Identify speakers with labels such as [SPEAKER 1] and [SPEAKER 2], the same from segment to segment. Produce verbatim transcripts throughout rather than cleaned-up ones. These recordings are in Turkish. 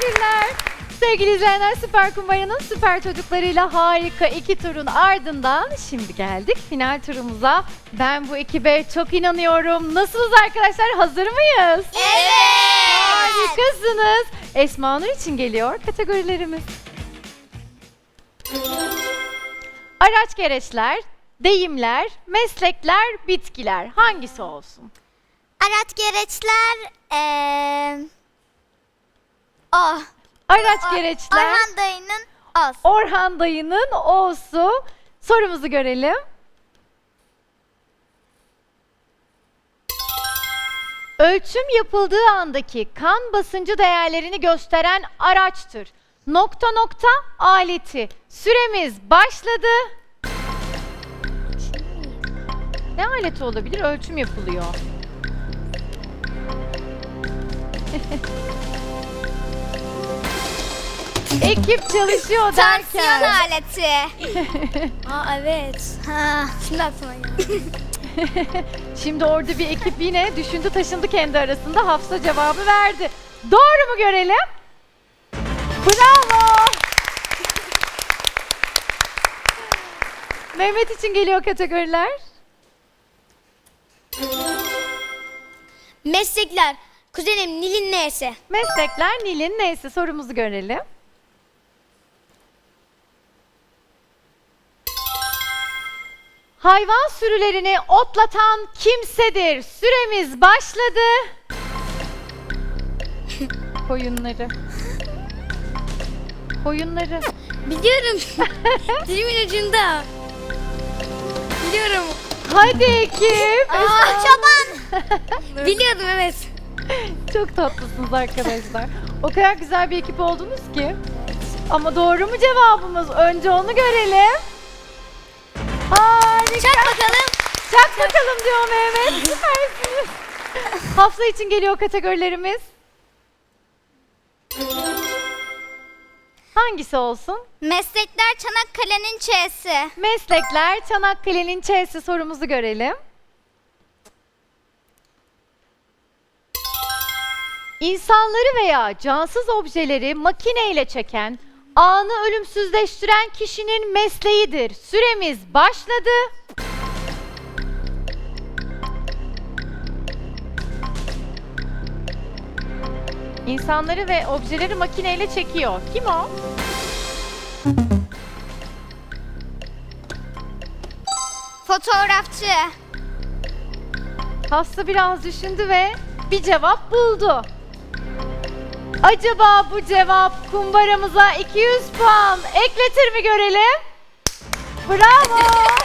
[SPEAKER 1] Teşekkürler. Sevgili izleyenler, Süper Kumbara'nın süper çocuklarıyla harika iki turun ardından şimdi geldik final turumuza. Ben bu ekibe çok inanıyorum. Nasılsınız arkadaşlar? Hazır mıyız?
[SPEAKER 2] Evet.
[SPEAKER 1] Harikasınız. Esma Nur için geliyor kategorilerimiz. Araç gereçler, deyimler, meslekler, bitkiler. Hangisi olsun?
[SPEAKER 2] Araç gereçler eee o.
[SPEAKER 1] Araç
[SPEAKER 2] O-
[SPEAKER 1] gereçler,
[SPEAKER 2] Orhan dayının os.
[SPEAKER 1] Orhan dayının O'su. Sorumuzu görelim. Ölçüm yapıldığı andaki kan basıncı değerlerini gösteren araçtır. Nokta nokta aleti. Süremiz başladı. Ne aleti olabilir? Ölçüm yapılıyor. Ekip çalışıyor
[SPEAKER 2] Tansiyon
[SPEAKER 1] derken.
[SPEAKER 2] aleti.
[SPEAKER 3] Aa evet.
[SPEAKER 2] Ha.
[SPEAKER 3] Şimdi aklıma geldi.
[SPEAKER 1] Şimdi orada bir ekip yine düşündü taşındı kendi arasında. Hafsa cevabı verdi. Doğru mu görelim? Bravo! Mehmet için geliyor kategoriler.
[SPEAKER 3] Meslekler. Kuzenim Nil'in neyse.
[SPEAKER 1] Meslekler Nil'in neyse sorumuzu görelim. Hayvan sürülerini otlatan kimsedir. Süremiz başladı. Koyunları. Koyunları.
[SPEAKER 3] Biliyorum. Dilimin ucunda. Biliyorum.
[SPEAKER 1] Hadi ekip.
[SPEAKER 2] Aa, çoban.
[SPEAKER 3] Biliyordum evet.
[SPEAKER 1] Çok tatlısınız arkadaşlar. O kadar güzel bir ekip oldunuz ki. Ama doğru mu cevabımız? Önce onu görelim. Harika.
[SPEAKER 3] Çak bakalım.
[SPEAKER 1] Çak bakalım diyor Mehmet. Süpersiniz. Hafsa için geliyor kategorilerimiz. Hangisi olsun?
[SPEAKER 2] Meslekler Çanakkale'nin Ç'si.
[SPEAKER 1] Meslekler Çanakkale'nin Ç'si sorumuzu görelim. İnsanları veya cansız objeleri makineyle çeken, anı ölümsüzleştiren kişinin mesleğidir. Süremiz başladı. İnsanları ve objeleri makineyle çekiyor. Kim o?
[SPEAKER 2] Fotoğrafçı.
[SPEAKER 1] Hafsa biraz düşündü ve bir cevap buldu. Acaba bu cevap kumbaramıza iki yüz puan ekletir mi görelim? Bravo!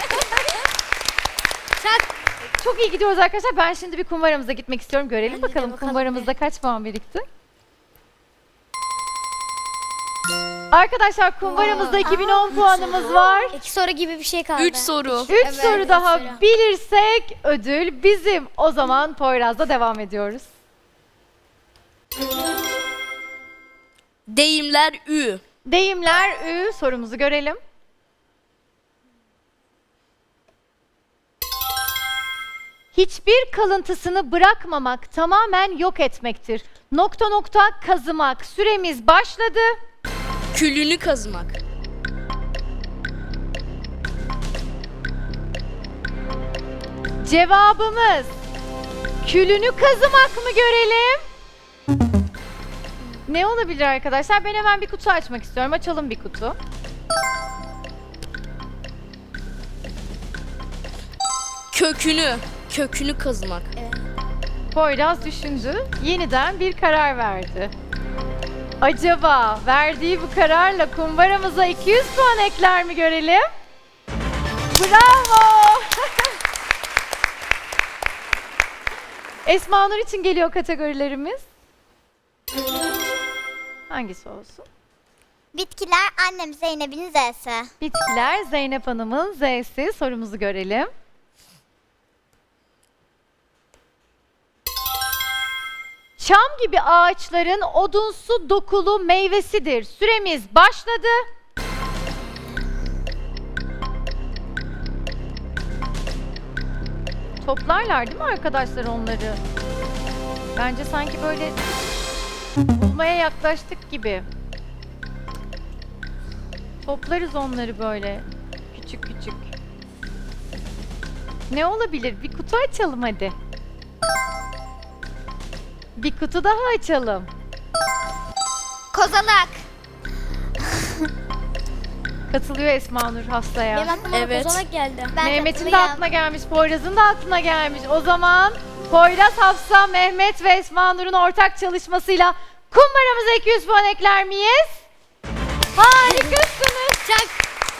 [SPEAKER 3] Çak.
[SPEAKER 1] Çok iyi gidiyoruz arkadaşlar. Ben şimdi bir kumbaramıza gitmek istiyorum. Görelim
[SPEAKER 3] Bence de
[SPEAKER 1] bakalım,
[SPEAKER 3] bakalım
[SPEAKER 1] kumbaramızda kaç puan birikti? Arkadaşlar kumbaramızda iki bin on puanımız var.
[SPEAKER 3] İki soru gibi bir şey kaldı.
[SPEAKER 4] Üç soru.
[SPEAKER 1] üç
[SPEAKER 3] Evet,
[SPEAKER 1] soru
[SPEAKER 3] üç
[SPEAKER 1] daha
[SPEAKER 3] soru.
[SPEAKER 1] bilirsek ödül bizim. O zaman Poyraz'da devam ediyoruz.
[SPEAKER 4] Deyimler Ü.
[SPEAKER 1] Deyimler Ü sorumuzu görelim. Hiçbir kalıntısını bırakmamak tamamen yok etmektir. Nokta nokta kazımak. Süremiz başladı.
[SPEAKER 4] Külünü kazımak.
[SPEAKER 1] Cevabımız külünü kazımak mı görelim? Ne olabilir arkadaşlar? Ben hemen bir kutu açmak istiyorum. Açalım bir kutu.
[SPEAKER 4] Kökünü. Kökünü kazımak.
[SPEAKER 1] Poyraz düşündü. Yeniden bir karar verdi. Acaba verdiği bu kararla kumbaramıza iki yüz puan ekler mi görelim? Bravo! Esma Nur için geliyor kategorilerimiz. Hangisi olsun?
[SPEAKER 2] Bitkiler annem Zeynep'in Z'si.
[SPEAKER 1] Bitkiler Zeynep Hanım'ın Z'si. Sorumuzu görelim. Çam gibi ağaçların odunsu dokulu meyvesidir. Süremiz başladı. Toplarlar değil mi arkadaşlar onları? Bence sanki böyle Bulmaya yaklaştık gibi. Toplarız onları böyle. Küçük küçük. Ne olabilir? Bir kutu açalım hadi. Bir kutu daha açalım.
[SPEAKER 2] Kozalak.
[SPEAKER 1] Katılıyor Esma Nur Hafsa'ya.
[SPEAKER 3] Benim aklıma
[SPEAKER 4] Evet.
[SPEAKER 3] kozalak geldi.
[SPEAKER 2] Ben
[SPEAKER 1] Mehmet'in de
[SPEAKER 2] katılıyorum.
[SPEAKER 1] aklına gelmiş, Poyraz'ın da aklına gelmiş. O zaman Poyraz, Hafsa, Mehmet ve Esma Nur'un ortak çalışmasıyla kumbaramıza iki yüz puan ekler miyiz? Harikasınız.
[SPEAKER 3] Çak.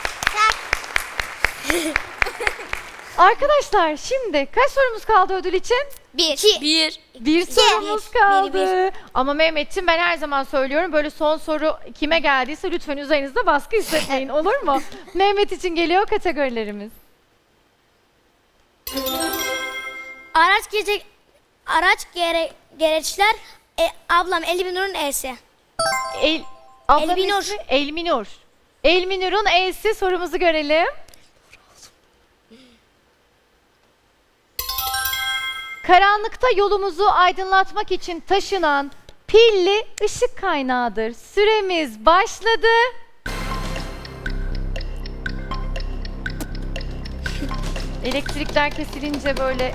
[SPEAKER 1] Arkadaşlar şimdi kaç sorumuz kaldı ödül için?
[SPEAKER 2] Bir.
[SPEAKER 4] Bir.
[SPEAKER 1] Bir sorumuz kaldı.
[SPEAKER 3] Bir,
[SPEAKER 1] Ama Mehmet'ciğim ben her zaman söylüyorum, böyle son soru kime geldiyse lütfen üzerinizde baskı hissetmeyin, olur mu? Mehmet için geliyor kategorilerimiz.
[SPEAKER 3] Araç gelecek. Araç gere, gereçler. E, ablam Elbinur'un E'si.
[SPEAKER 1] El, ablanın
[SPEAKER 3] Elminur.
[SPEAKER 1] ismi Elminur. Elminur'un E'si, sorumuzu görelim. Karanlıkta yolumuzu aydınlatmak için taşınan pilli ışık kaynağıdır. Süremiz başladı. Elektrikler kesilince böyle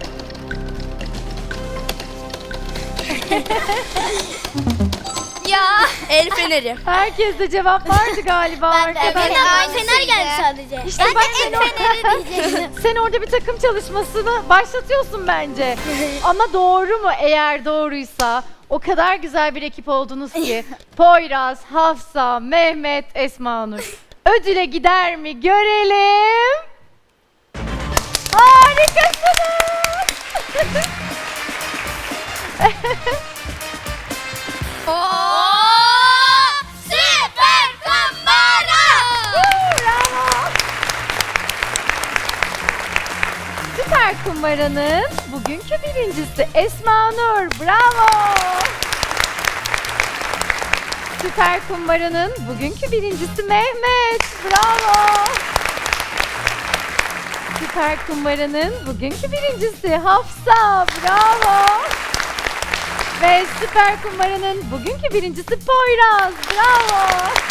[SPEAKER 2] Ya.
[SPEAKER 4] El feneri.
[SPEAKER 1] herkeste cevap vardı galiba
[SPEAKER 2] Ben de,
[SPEAKER 1] arkadaşlar.
[SPEAKER 2] ben de.
[SPEAKER 3] Fener,
[SPEAKER 2] aynısıydı.
[SPEAKER 3] fener geldi sadece.
[SPEAKER 1] İşte
[SPEAKER 2] Ben
[SPEAKER 1] bak
[SPEAKER 2] de
[SPEAKER 1] sen,
[SPEAKER 2] el feneri diyecektim.
[SPEAKER 1] sen orada bir takım çalışmasını başlatıyorsun bence. Ama doğru mu? Eğer doğruysa o kadar güzel bir ekip oldunuz ki. Poyraz, Hafsa, Mehmet, Esma Nur. Ödüle gider mi? Görelim. Harikasınız.
[SPEAKER 2] Oo! Süper kumbara.
[SPEAKER 1] Bravo. Süper Kumbara'nın bugünkü birincisi Esma Nur. Bravo. Süper Kumbara'nın bugünkü birincisi Mehmet. Bravo. Süper Kumbara'nın bugünkü birincisi Hafsa. Bravo. Ve Süper Kumbara'nın bugünkü birincisi Poyraz. Bravo.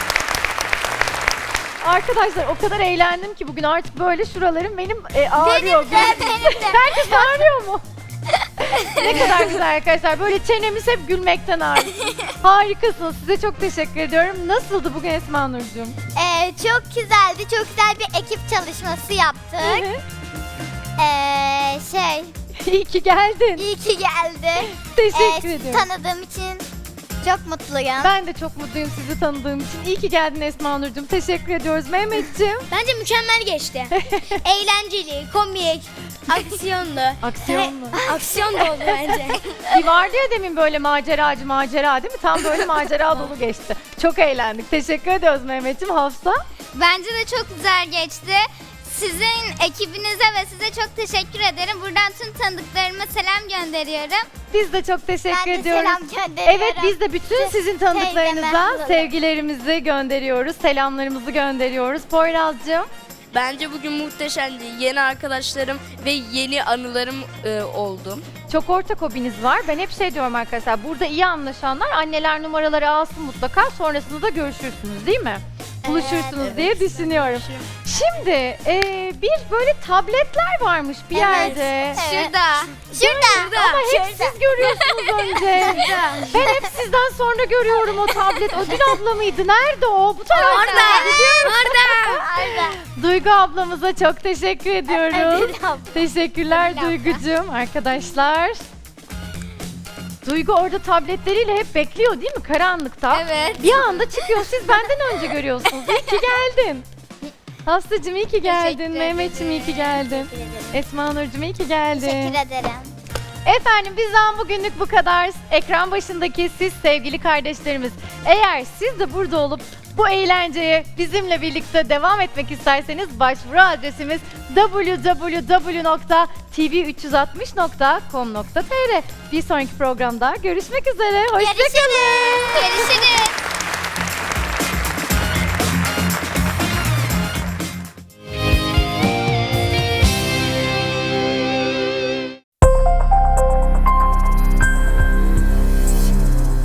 [SPEAKER 1] Arkadaşlar o kadar eğlendim ki bugün, artık böyle şuralarım benim e, ağrıyor.
[SPEAKER 2] Benim de, benim de.
[SPEAKER 1] Herkes ağrıyor mu? Ne kadar güzel arkadaşlar. Böyle çenemiz hep gülmekten ağrıyor. Harikasınız. Size çok teşekkür ediyorum. Nasıldı bugün Esma Nurcuğum?
[SPEAKER 2] Ee, çok güzeldi. Çok güzel bir ekip çalışması yaptık.
[SPEAKER 1] Evet.
[SPEAKER 2] Ee, şey,
[SPEAKER 1] İyi ki geldin.
[SPEAKER 2] iyi ki geldi.
[SPEAKER 1] Teşekkür
[SPEAKER 2] Ee, sizi
[SPEAKER 1] ediyorum.
[SPEAKER 2] tanıdığım için çok mutluyum.
[SPEAKER 1] Ben de çok mutluyum sizi tanıdığım için. İyi ki geldin Esma Nurcuğum. Teşekkür ediyoruz Mehmetciğim.
[SPEAKER 3] Bence mükemmel geçti. Eğlenceli, komik, aksiyonlu.
[SPEAKER 1] Aksiyonlu.
[SPEAKER 3] Aksiyon da oldu bence.
[SPEAKER 1] Bir vardı ya demin böyle maceracı macera, değil mi? Tam böyle macera dolu geçti. Çok eğlendik. Teşekkür ediyoruz Mehmetciğim. Hafsa?
[SPEAKER 2] Bence de çok güzel geçti. Sizin ekibinize ve size çok teşekkür ederim. Buradan tüm tanıdıklarıma selam gönderiyorum.
[SPEAKER 1] Biz de çok teşekkür
[SPEAKER 2] Ben de
[SPEAKER 1] ediyoruz.
[SPEAKER 2] selam gönderiyorum.
[SPEAKER 1] Evet, biz de bütün sizin tanıdıklarınıza
[SPEAKER 2] Teyzeme.
[SPEAKER 1] sevgilerimizi gönderiyoruz. Selamlarımızı gönderiyoruz. Poyraz'cığım.
[SPEAKER 4] Bence bugün muhteşemdi. Yeni arkadaşlarım ve yeni anılarım e, oldu.
[SPEAKER 1] Çok ortak hobiniz var. Ben hep şey diyorum arkadaşlar. Burada iyi anlaşanlar anneler numaraları alsın mutlaka. Sonrasında da görüşürsünüz, değil mi? Buluşursunuz
[SPEAKER 2] evet.
[SPEAKER 1] diye düşünüyorum. Şimdi e, bir böyle tabletler varmış bir yerde.
[SPEAKER 2] Evet. Şurada. Şurada.
[SPEAKER 1] Ama hep siz görüyorsunuz önce. Ben hep sizden sonra görüyorum o tablet. Ödül abla mıydı? Nerede o? Bu tarafta.
[SPEAKER 3] Orada.
[SPEAKER 1] Biliyorum.
[SPEAKER 2] Orada.
[SPEAKER 1] Duygu ablamıza çok teşekkür ediyoruz.
[SPEAKER 2] Ödül abla.
[SPEAKER 1] Teşekkürler
[SPEAKER 2] Ödül abla.
[SPEAKER 1] Duygucuğum. Arkadaşlar. Duygu orada tabletleriyle hep bekliyor değil mi karanlıkta?
[SPEAKER 2] Evet.
[SPEAKER 1] Bir anda çıkıyor, siz benden önce görüyorsunuz. İyi ki geldin. Hafsacığım iyi ki geldin.
[SPEAKER 2] Teşekkür
[SPEAKER 1] Mehmetciğim iyi ki geldin. Esma Nurcuğum iyi ki geldin.
[SPEAKER 2] Teşekkür ederim.
[SPEAKER 1] Efendim bizden bugünlük bu kadar. Ekran başındaki siz sevgili kardeşlerimiz, eğer siz de burada olup bu eğlenceye bizimle birlikte devam etmek isterseniz başvuru adresimiz double-u double-u double-u nokta t v üç yüz altmış nokta com nokta t r. Bir sonraki programda görüşmek üzere. Hoşçakalın.
[SPEAKER 2] Görüşürüz. Görüşürüz.